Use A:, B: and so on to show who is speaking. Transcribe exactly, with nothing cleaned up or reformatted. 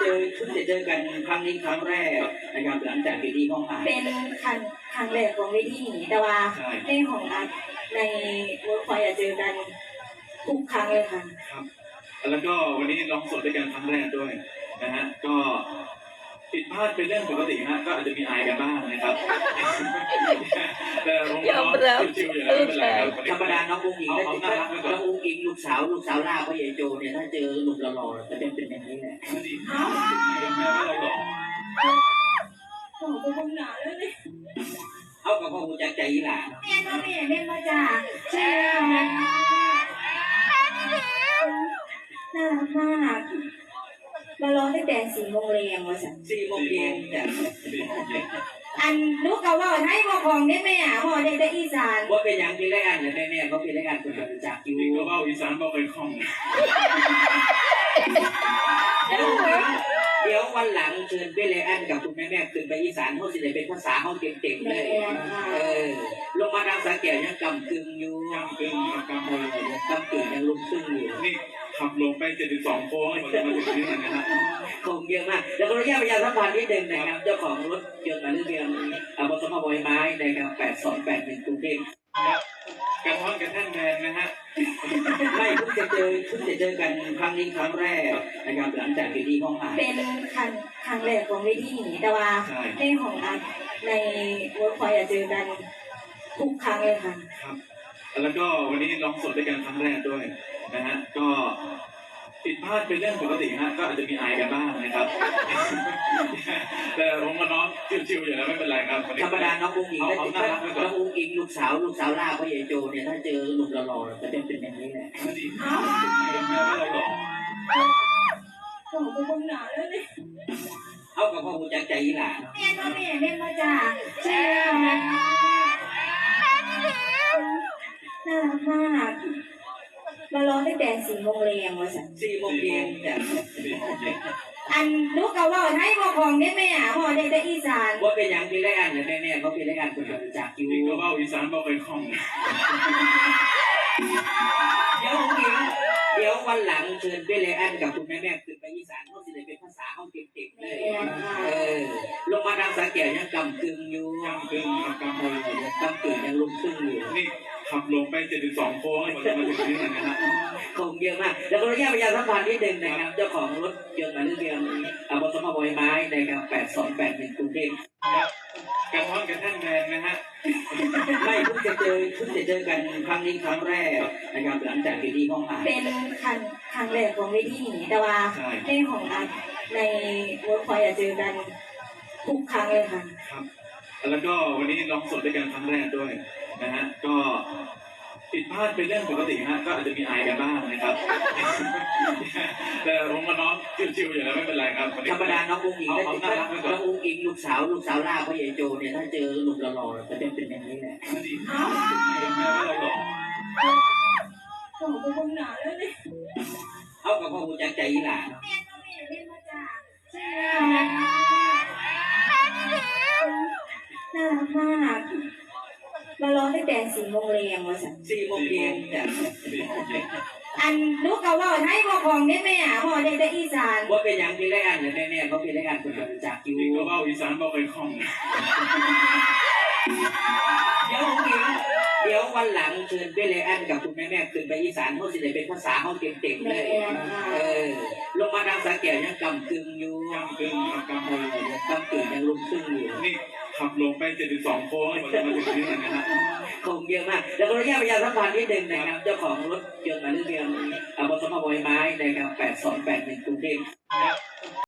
A: จอเพิ่งจะเจอกันครั้งนี้ครั้งแรกนะครับหลังจากที่ห้องอ่าน
B: เป็นครั้งครั้งแรกของเวทีนี้แต่ว่าในของอัดในเวิร์กพอยต์เจอกันทุกครั้งเลยค่ะ
C: ครับแล้วก็วันนี้ลองสดด้วยกันครั้งแรกด้วยนะฮะก็ผิดพลาดเป็นเรื่องปกติฮะก็อาจจะมีอายกันบ้างนะครับแต่ผมน้องชิวๆอยู่แล้วไม่เป็นไรครับ
A: ธรรมดาน้องอุ้งอิงน้องอุ้งอิงลูกสาวลูกสาวล่าพ่อใหญ่โจเนี่ยถ้าเจอหนุ่มหล่อๆจะเป็นเป็นอย่างนี้แหละ
C: อ้าวแม่เราหล่อ
B: โอ้โหเป็นหนาเลยเนี่ย
A: เอากับพ่อหูจักใจยี่หล่า
B: แม่ก็แม่แม่มาจากเชียงน่ารักมากมาร้องตั้งแต่สี่โมงเรียงว่าสัน
A: สี่โมงเย็นจ้ะ
B: อันลูกก็ว่าให้พ่อของได้แม่พ่อได้ได้อีสาน
A: ว่าเป็นอย่างที่ไรอันเนี่ยแม่แม่เขาเป็นไรอันคนรู้จักอยู่
C: นี่ก็ว่าอีสานบอกเป็นคล่อง
A: เดี๋ยววันหลังเชิญพี่เลอันกับคุณแม่แม่ขึ้นไปอีสานเขาสิได้เป็นภาษาเขาเก่งๆเลยเออลงมาทางสาแก้วยังกำกึ่งอยู่
C: กำกึ่งกำ
A: เออกำกึ่งยังลุกขึ้นอยู่
C: นี่ขับลงไปเจ็ดสิบสองโค้งให้ผมจะมาถึงที่นั่นนะครับ
A: โค้งเยอะมากแล้วก็ระยะเวลาสักวันนิดนึงนะครับเจ้าของรถยนต์มาเรื่องเรียนอาบสมบอยไม้นะครับแปดสองแปดหนึ่งกรุงเทพ
C: กระท้อนกระแท่นแดงนะฮะ
A: ไม่เพิ่งจะเจอเพิ่งจะเจอกันครั้งนี้ครั้งแรกนะครับหลังจากที่ห้องอ่าน
B: เป็นครั้งครั้งแรกของเวทีนี้แต่ว่าในของอัดในเวิร์กพอยต์เจอกันทุกครั้งเลยค่ะ
C: ครับแล้วก็วันนี้ลองสดด้วยกันครั้งแรกด้วยนะฮะก็ผิดพลาดเป็นเรื่องปกติฮะก็อาจจะมีอายกันบ้างนะครับแต่ผมกับน้องชิวๆอยู่แล้วไม่เป็นไรครับ
A: ธรรมดาน้องอุ้งอิงน้องอุ้งอิงลูกสาวลูกสาวล่าพ่อใหญ่โจเนี่ยถ้าเจอหนุ่มหล่อๆจะเป็นเป็นอย่างนี้แหละ
C: อ้าวแม่เราหล่อ
B: โอ้โหเป็นหนาเลยเนี่ย
A: เอากับพ่อหูจักใจยี่หล่า
B: แม่ก็แม่แม่มาจากเชียงน่ารักมากมาร้องตั้งแต่สี่โมงเรียงว่าสัน
A: สี่โมงเย็นจ้ะ
B: อันลูกก็ว่าให้พ่อของได้แม่พ่อได้ได้อีสาน
A: ว่าเป็นอย่างที่ไรอันเนี่ยแม่แม่เขาเป็นไรอันคนรู้จักอยู่
C: นี่ก็ว่าอีสานบอกเป็นคล่อง
A: เดี๋ยวอุ้งอิงเดี๋ยววันหลังเชิญพี่เลอันกับคุณแม่แม่ขึ้นไปอีสานเขาสิได้เป็นภาษาเขาเก่งๆเลยเออลงมาทางสาแก้วยังกำกึ่งอยู่
C: กำกึ่งกำ
A: เออกำกึ่งยังลุกขึ้นอยู่
C: นี่ขับลงไปเจ็ดสิบสองโค้งให้ผมจะมาถึงที่นั่นนะครับ
A: โค้งเยอะมากแล้วก็ระยะเวลาสักวันนิดนึงนะครับเจ้าของรถยนต์มาเรื่องเรียนอาบสมบอยไม้นะครับแปดสองแปดหนึ่งกรุงเทพ
C: กระท้อนกระแท่นแดงนะฮะ
A: ไม่เพิ่งจะเจอเพิ่งจะเจอกันครั้งนี้ครั้งแรกนะครับหลังจากที่ห้องอ่าน
B: เป็นครั้งครั้งแรกของเวทีนี้แต่ว่าในของอัดในเวิร์กพอยต์เจอกันทุกครั้งเลยค่ะ
C: ครับแล้วก็วันนี้ลองสดด้วยกันครั้งแรกด้วยนะฮะก็ผิดพลาดเป็นเรื่องปกติฮะก็อาจจะมีอายกันบ้างนะครับแต่ผมกับน้องชิวๆอยู่แล้วไม่เป็นไรครับ
A: ธรรมดาน้องอุ้งอิงน้องอุ้งอิงลูกสาวลูกสาวล่าพ่อใหญ่โจเนี่ยถ้าเจอหนุ่มหล่อๆจะเป็นเป็นอย่างนี้แหละ
C: อ้าวแม่เราหล่อ
B: โอ้โหเป็นหนาเลยเนี่ย
A: เอากับพ่อหูจักใจยี่หล่า
B: แม่ก็แม่แม่มาจากเชียงน่ารักมากมาร้องตั้งแต่สี่โมงเรียงว่าสัน
A: สี่โมงเย็นจ้ะ
B: อันลูกก็ว่าให้พ่อของได้แม่พ่อได้ได้อีสาน
A: ว่าเป็นอย่างที่ไรอันเนี่ยแม่แม่เขาเป็นไรอันคนรู้จักอยู่
C: นี่ก็ว่าอีสานบอกเป็นคล่อง
A: เดี๋ยวอุ้งอิงเดี๋ยววันหลังเชิญพี่เลอันกับคุณแม่แม่ขึ้นไปอีสานเขาสิได้เป็นภาษาเขาเก่งๆเลยเออลงมาทางสาแก้วยังกำกึ่งอยู่
C: กำกึ่งกำ
A: เออกำกึ่งยังลุกขึ้นอยู่
C: นี่ขับลงไปเจ็ดสิบสองโค้งให้ผมจะมาถึงที่นั่นนะครับ
A: โค้งเยอะมากแล้วก็ระยะเวลาสักวันนิดนึงนะครับเจ้าของรถยนต์มาเรื่องเรียนอาบสมบอยไม้นะครับแปดสองแปดหนึ่งกรุงเทพ